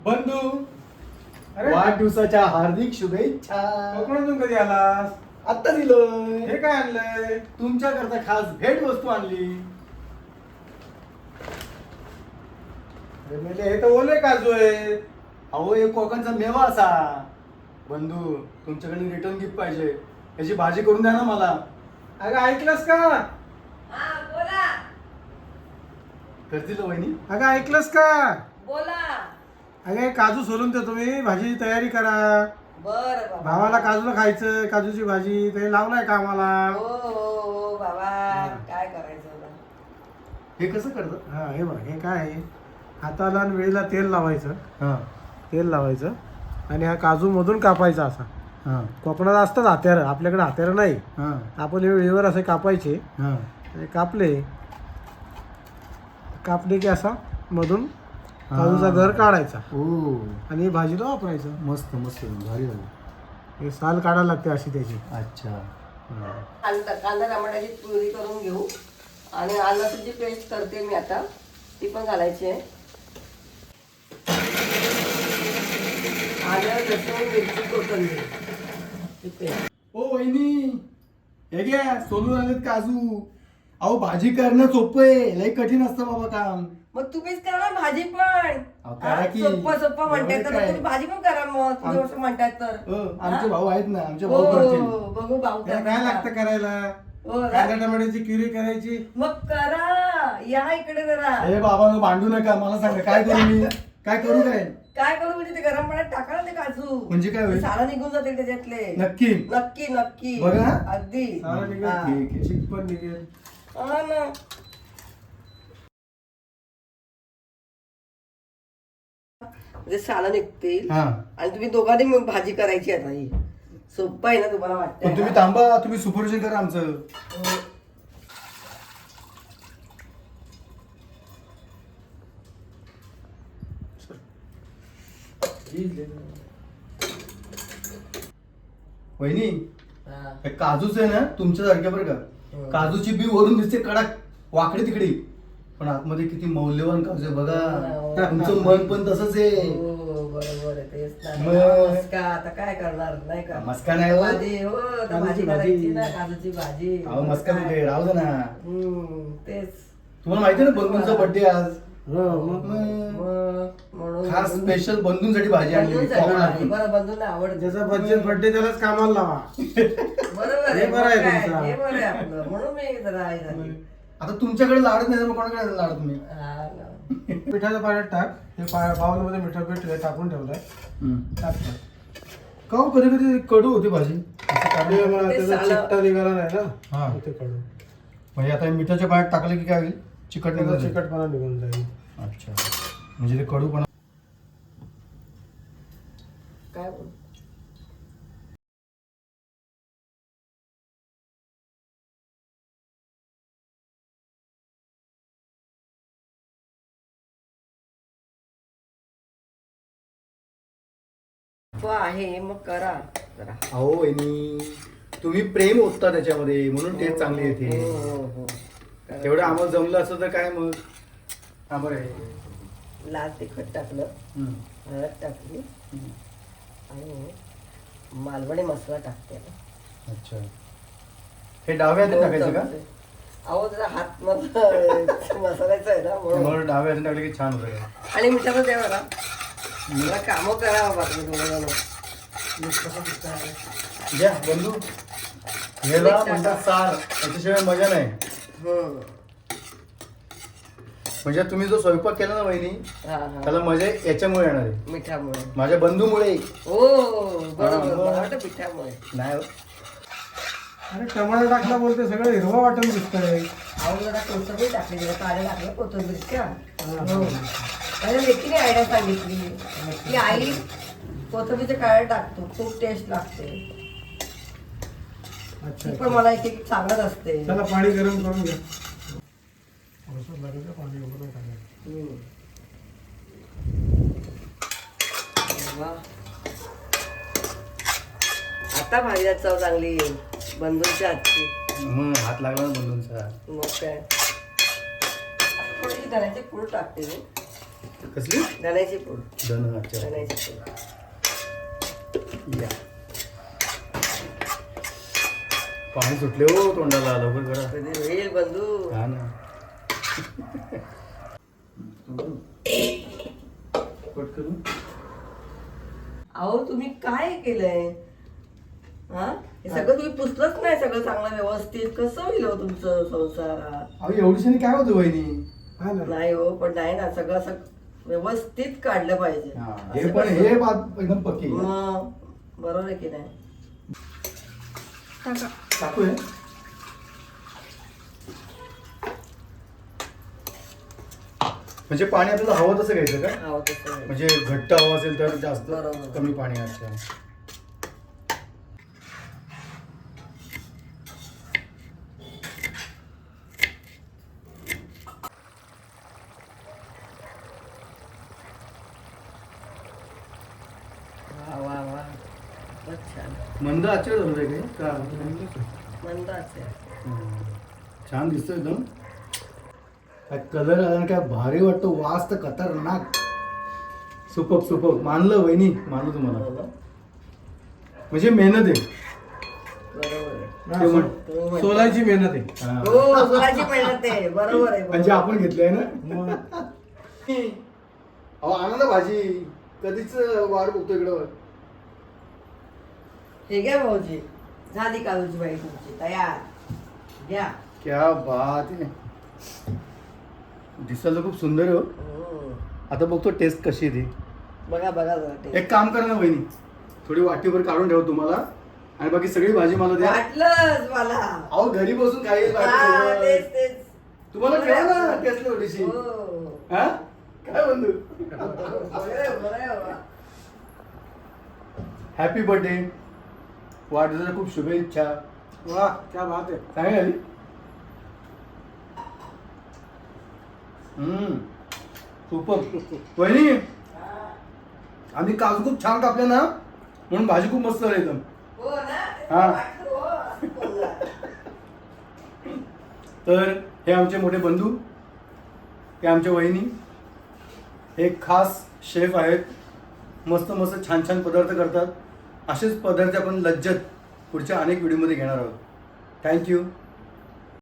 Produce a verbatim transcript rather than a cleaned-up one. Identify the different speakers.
Speaker 1: बंधू
Speaker 2: अरे
Speaker 1: वाढदिवसाच्या हार्दिक शुभेच्छा.
Speaker 2: कोकणातून कधी आलास?
Speaker 1: आता दिलं.
Speaker 2: हे काय आणलंय?
Speaker 1: तुमच्याकरता खास भेट वस्तू आणली.
Speaker 2: अरे मेले, हे तर ओले काजू आहे.
Speaker 1: अहो एक कोकणचा मेवा असा. बंधू तुमच्याकडे रिटर्न गिफ्ट पाहिजे. याची भाजी करून द्या ना मला.
Speaker 2: अगं ऐकलंस का?
Speaker 3: हा बोला
Speaker 1: करतील वहिनी.
Speaker 2: अगं ऐकलंस का?
Speaker 3: बोला.
Speaker 2: अगं हे काजू सोलून देतो मी, भाजी तयारी करा.
Speaker 3: बर बाबा.
Speaker 2: भावाला काजूला खायचं, काजूची भाजी ते लावलाय का आम्हाला?
Speaker 3: हो हो हो बाबा, काय करायचं आता?
Speaker 1: हे कसं करतं?
Speaker 2: हा हे बघ, हे काय आहे, हाताला आणि वेळेला तेल लावायचं.
Speaker 1: हा
Speaker 2: तेल लावायचं आणि हा काजू मधून कापायचा असा.
Speaker 1: हा
Speaker 2: कोकणात असतात हात्यारं, आपल्याकडे हात्यारं नाही.
Speaker 1: हा
Speaker 2: आपण हे वेळेवर असे कापायचे.
Speaker 1: हा
Speaker 2: आणि कापले कापले की असा मधून काजूचा घर काढायचा
Speaker 1: ओ
Speaker 2: आणि भाजीला वापरायचं.
Speaker 1: मस्त मस्त भारी झालं.
Speaker 2: हे साल काढायला लागते अशी त्याची.
Speaker 1: अच्छा
Speaker 3: कांदा कांदा टमाट्याची प्युरी करून घेऊ आणि आल्याची जी पेस्ट करते मी आता ती पण घालायची आहे. आलं लसूण मिरची कोथिंबीर ही पेस्ट.
Speaker 1: ओ वहिनी हे घ्या सोलून आलेत काजू. अहो भाजी करणं सोपं आहे, लई कठीण असतं बाबा काम.
Speaker 3: मग तुम्हीच करा ना भाजी पण.
Speaker 1: अहो, करा
Speaker 3: हा,
Speaker 1: की.
Speaker 3: सोप्पं सोप्पं म्हणताय तर
Speaker 1: एवढं
Speaker 3: मग
Speaker 1: काय?
Speaker 3: तुम्ही भाजी पण करा मग तुम्ही
Speaker 1: आम-
Speaker 3: असं म्हणताय तर.
Speaker 1: हो, आमचे
Speaker 3: हा?
Speaker 1: भाऊ आहेत ना, आमचे
Speaker 3: हो
Speaker 1: भाऊ करतील.
Speaker 3: बघू भाऊ
Speaker 2: त्याला काय लागतं करायला?
Speaker 3: हो ना?
Speaker 2: कांदा टमाट्याची प्युरी करायची.
Speaker 3: मग करा, या इकडे जरा.
Speaker 1: हे बाबांनो भांडू नका, मला सांगा काय करू मी, काय करू काय?
Speaker 3: काय करू म्हणजे ते गरम पाण्यात टाका ना ते काजू.
Speaker 1: म्हणजे काय होईल?
Speaker 3: ते सारं निघून जातील त्याच्यातले.
Speaker 1: नक्की
Speaker 3: नक्की नक्की
Speaker 1: बघा.
Speaker 3: अगदी
Speaker 2: सारं निघेल.
Speaker 3: हा.
Speaker 1: ठीक आहे.
Speaker 2: चिक पण निघेल.
Speaker 3: हा ना. म्हणजे सालं निघतील
Speaker 1: हा
Speaker 3: आणि तुम्ही दोघांनी मग भाजी करायची आता ही सोपं आहे ना तुम्हाला
Speaker 1: पण
Speaker 3: वाटतं
Speaker 1: तुम्ही थांबा, तुम्ही सुपरविजन करा आमचं. वहिनी हे काजूच आहे ना तुमच्यासारख्या बरं का. काजूची बी वरून दिसते कडक वाकडी तिकडी, पण आतमध्ये किती मौल्यवान काजू आहे बघा. तुमचं मन पण तसंच आहे.
Speaker 3: हो बरोबर आहे तेच ना.
Speaker 1: मग-
Speaker 3: मस्का आता काय करणार नाही का
Speaker 1: मस्का नाही हो.
Speaker 3: भाजी हो तर
Speaker 2: काजूची
Speaker 3: भाजी
Speaker 2: भाजी.
Speaker 3: करायची ना काजूची भाजी.
Speaker 1: अहो मस्का कुठे राहू दे ना.
Speaker 3: हम्म, तेच
Speaker 1: तुम्हाला माहिती आहे ना बंधूंचा बर्थडे आज.
Speaker 2: हो मग
Speaker 1: मग
Speaker 3: मग म्हणून
Speaker 1: खास स्पेशल बंधूंसाठी भाजी आणली
Speaker 3: बंधूंसाठी भाजी.
Speaker 1: कोकणातून.
Speaker 3: बरं बंधूंना आवडते.
Speaker 2: ज्याचा बर्थडे बर्थडे त्यालाच कामाला लावा.
Speaker 3: बरोबर
Speaker 2: हे
Speaker 3: आहे
Speaker 2: बरं आहे
Speaker 3: मग काय?
Speaker 2: तुमचं.
Speaker 3: हे बरं आहे आपलं म्हणून मी जरा आई झाली.
Speaker 1: आता तुमच्याकडे लाडत नाही तर मग कोणाकडे लाडत तुम्ही.
Speaker 3: हा ना.
Speaker 2: मिठाच्या पाण्यात टाक. हे बाउल मध्ये मिठा पीठ टाकून ठेवलंय. टाक टाक.
Speaker 1: का कधी कधी कडू होती भाजी.
Speaker 2: ते मला
Speaker 3: ते
Speaker 2: त्याचा
Speaker 3: सालं-
Speaker 2: चिकटा निघाला नाही ना.
Speaker 1: हा.
Speaker 2: मग ते काढू.
Speaker 1: म्हणजे आता हे मिठाच्या पाण्यात टाकलं की काय होईल, चिकट
Speaker 2: त्याचा
Speaker 1: निघून जाईल.
Speaker 2: चिकटपणा निघून जाईल.
Speaker 1: अच्छा म्हणजे ते कडू पण.
Speaker 3: काय बोल तो आहे मग करा जरा.
Speaker 1: अहो वहिनी तुम्ही प्रेम ओतता त्याच्यामध्ये म्हणून टेस्ट चांगली
Speaker 3: हो,
Speaker 1: येते.
Speaker 3: हो, हो. करा.
Speaker 1: तेवढं आम्हाला जमलं असतं तर काय मग. हा बरं आहे.
Speaker 3: लाल तिखट टाकलं,
Speaker 1: हम्म.
Speaker 3: हळद टाकली आणि मालवणी मसाला टाकते आता.
Speaker 1: अच्छा हे डाव्या हातात टाकायचं का?
Speaker 3: अहो त्याचा हात मला मसाल्याचा आहे ना म्हणून.
Speaker 1: मला डाव्या हातात टाकलं की छान होतं का?
Speaker 3: आणि मिठाचं द्या बघा. मला कामं करा बाबा तुम्ही दोघं
Speaker 1: घ्या बंधू. याला म्हणतात सार, याच्याशिवाय मजा नाही.
Speaker 3: हम्म.
Speaker 1: म्हणजे तुम्ही जो स्वयंपाक केला ना वहिनी
Speaker 3: हा हा
Speaker 1: त्याला मजा याच्यामुळे येणार आहे,
Speaker 3: मिठामुळे.
Speaker 1: माझ्या बंधूमुळे.
Speaker 3: हो बरोबर मला वाटतं पिठामुळे.
Speaker 1: नाही हो.
Speaker 2: अरे टमाटर टाकला बोलते सगळं हिरवा वाटण दिसतंय.
Speaker 3: अहो जरा कोथिंबीर टाकली जरा काढे टाकलं कोथिंबीरच्या. हो आणि लेकीने आयडिया सांगितली की आई कोथिंबीरचे काळे टाकतो खूप टेस्ट लागते.
Speaker 2: अच्छा
Speaker 3: ती पण मला एक एक सांगत असते.
Speaker 2: चला पाणी गरम करून घ्या. थोडंसं लागेल का पाणी एवढं नाही टाकायचं.
Speaker 3: हम्म. वा. आता भाजीला चव चांगली येईल बंधूंच्या हातची.
Speaker 1: मग हात लागला ना बंधूंचा.
Speaker 3: मग काय थोडीशी धण्याची पूड टाकते मी.
Speaker 1: कसली
Speaker 3: धण्याची पूड
Speaker 1: धन अच्छा
Speaker 3: धण्याची पूड
Speaker 1: या पाणी सुटले हो तोंडाला लवकर करा
Speaker 3: कधी होईल बंधू
Speaker 1: हा ना कट करू
Speaker 3: अहो तुम्ही काय केलंय हा हे सगळं तुम्ही पुसलंच नाही सगळं चांगलं व्यवस्थित कसं होईल हो तुमचं संसारात
Speaker 1: अहो एवढीशाने काय होतं वहिनी
Speaker 2: हा ना
Speaker 3: नाही हो पण नाही ना सगळं असं व्यवस्थित काढलं पाहिजे
Speaker 1: हा, हे
Speaker 3: असं
Speaker 1: पण
Speaker 3: कसं?
Speaker 1: हे बात एकदम पक्की आहे.
Speaker 3: मग बरोबर आहे की नाही
Speaker 4: टाका.
Speaker 1: टाकू हे म्हणजे पाणी आपल्याला हवं तसं घ्यायचं का
Speaker 3: हो तसं आहे.
Speaker 1: म्हणजे घट्ट हवं असेल तर जास्त
Speaker 3: बरोबर.
Speaker 1: कमी पाणी असतं
Speaker 3: वा वा वा खूपच छान
Speaker 1: मंद आचर झालं रे काही का
Speaker 3: मंद असेल
Speaker 1: हम्म. छान दिसतोय एकदम काय कलर आला ना काय भारी वाटतो वास तर खतरनाक सुपक सुपक मानलं वहिनी मानलं तुम्हाला म्हणजे मेहनत आहे
Speaker 3: बरोबर आहे
Speaker 2: हा,
Speaker 1: ते म्हण-
Speaker 2: सो-
Speaker 3: तुम्ही म्हणता.
Speaker 2: सोलाची मेहनत आहे
Speaker 1: हा.
Speaker 3: हो सोलाची मेहनत आहे बरोबर आहे
Speaker 1: म्हणजे
Speaker 3: बरोबर.
Speaker 1: आपण घेतलंय ना
Speaker 2: मग
Speaker 1: अहो आणा ना भाजी कधीच वाट बघतो इकडं
Speaker 3: हे घ्या भाऊजी झाली काजूची बाई तुमची तयार घ्या
Speaker 1: क्या बात आहे दिसायला खूप सुंदर आहे हो
Speaker 3: हम्म.
Speaker 1: आता बघतो टेस्ट कशी आहे ती
Speaker 3: बघा बघा जरा ते.
Speaker 1: एक काम करा ना वहिनी थोडी वाटीभर काढून ठेव तुम्हाला आणि बाकी सगळी भाजी मला द्या
Speaker 3: वाटलंच मला
Speaker 1: अहो घरी बसून काही
Speaker 3: हा, तेच तेच
Speaker 1: तुम्हाला ठेवा ना टेस्ट थोडीशी
Speaker 3: हो.
Speaker 1: हा काय बंधू
Speaker 3: बरं आहे, बरं आहे बाबा.
Speaker 1: हॅपी बर्थडे वाढदिवसाच्या खूप शुभेच्छा
Speaker 2: वा क्या बात आहे
Speaker 1: काय झाली हम्म सुपर वहिनी आम्ही काजू खूप छान कापले ना म्हणून भाजी खूप मस्त झाली एकदम
Speaker 3: हो ना
Speaker 1: हा.
Speaker 3: वाटलं, हो, असं बोलला.
Speaker 1: तर हे आमचे मोठे बंधू हे आमच्या वहिनी हे खास शेफ आहेत मस्त मस्त छान छान पदार्थ करतात असेच पदार्थ आपण लज्जत पुढच्या अनेक व्हिडिओमध्ये घेणार आहोत थँक्यू